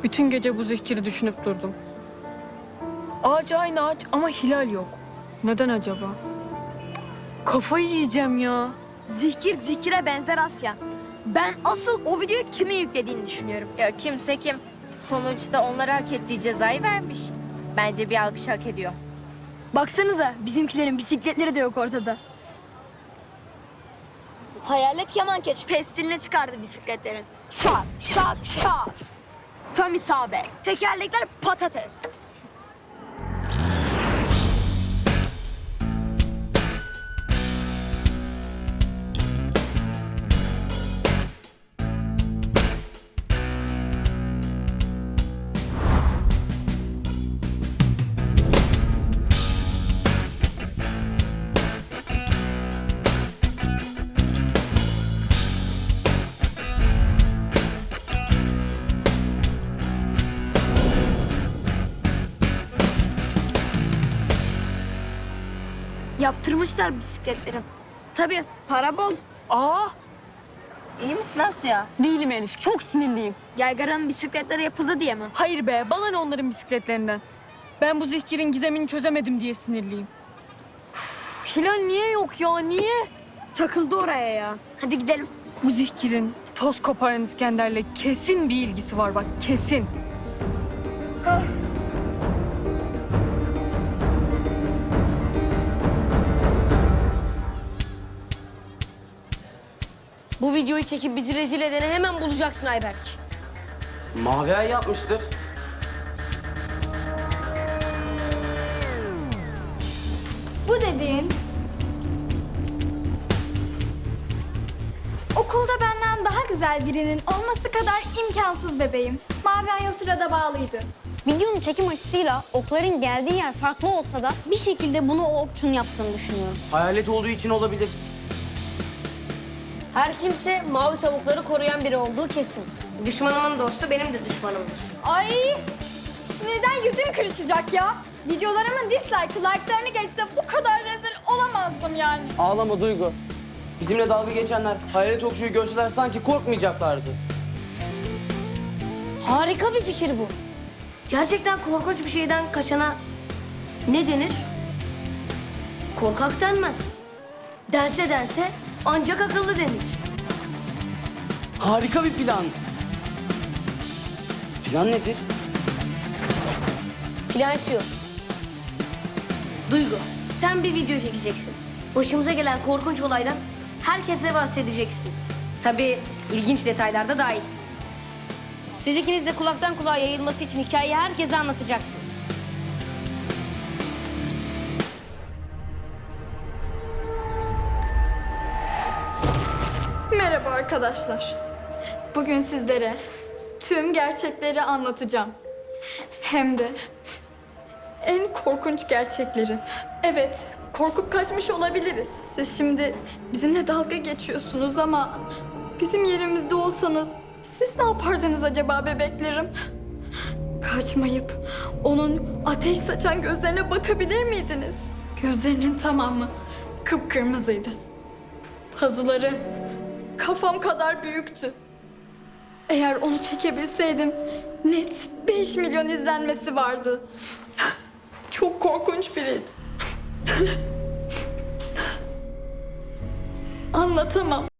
Bütün gece bu zikiri düşünüp durdum. Ağaç aynı ağaç ama hilal yok. Neden acaba? Cık, kafayı yiyeceğim ya. Zikir zikire benzer Asya. Ben asıl o videoyu kimin yüklediğini düşünüyorum. Ya kimse kim. Sonuçta onlara hak ettiği cezayı vermiş. Bence bir alkış hak ediyor. Baksanıza bizimkilerin bisikletleri de yok ortada. Hayalet kemankeç pestiline çıkardı bisikletlerin. Şak şak şak. Tam isabet. Tekerlekler patates. Yaptırmışlar bisikletleri. Tabii para bol. Aa, İyi misin Asya? değilim Elif. Çok sinirliyim. Yaygara'nın bisikletleri yapıldı diye mi? Hayır be, bana ne onların bisikletlerinden. Ben bu zikirin gizemini çözemedim diye sinirliyim. Üf, hilal niye yok ya, niye? Takıldı oraya ya. Hadi gidelim. Bu zikirin toz koparan İskender'le kesin bir ilgisi var bak, kesin. Bu videoyu çekip bizi rezil edeni hemen bulacaksın Ayberk. Mavi Ay yapmıştır. Bu dediğin okulda benden daha güzel birinin olması kadar imkansız bebeğim. Mavi Ay o sırada bağlıydı. Videonun çekim açısıyla okların geldiği yer farklı olsa da bir şekilde bunu o okçunun yaptığını düşünüyorum. Hayalet olduğu için olabilir. Her kimse mavi tavukları koruyan biri olduğu kesin. Düşmanımın dostu benim de düşmanımdır. Ay sinirden yüzüm kırışacak ya. Videolarımın like'larını geçse bu kadar rezil olamazdım yani. Ağlama Duygu. Bizimle dalga geçenler hayalet okçuyu görseler sanki korkmayacaklardı. Harika bir fikir bu. Gerçekten korkunç bir şeyden kaçana ne denir? Korkak denmez. Dense ancak akıllı denir. Harika bir plan. Plan nedir? Plan şu. Duygu, sen bir video çekeceksin. Başımıza gelen korkunç olaydan herkese bahsedeceksin. Tabii ilginç detaylar da dahil. Siz ikiniz de kulaktan kulağa yayılması için hikayeyi herkese anlatacaksınız. Merhaba arkadaşlar. Bugün sizlere tüm gerçekleri anlatacağım. Hem de en korkunç gerçekleri. Evet, korkup kaçmış olabiliriz. Siz şimdi bizimle dalga geçiyorsunuz ama bizim yerimizde olsanız siz ne yapardınız acaba bebeklerim? Kaçmayıp onun ateş saçan gözlerine bakabilir miydiniz? Gözlerinin tamamı kıpkırmızıydı. Pazuları kafam kadar büyüktü. Eğer onu çekebilseydim net 5 milyon izlenmesi vardı. Çok korkunç biriydi. Anlatamam.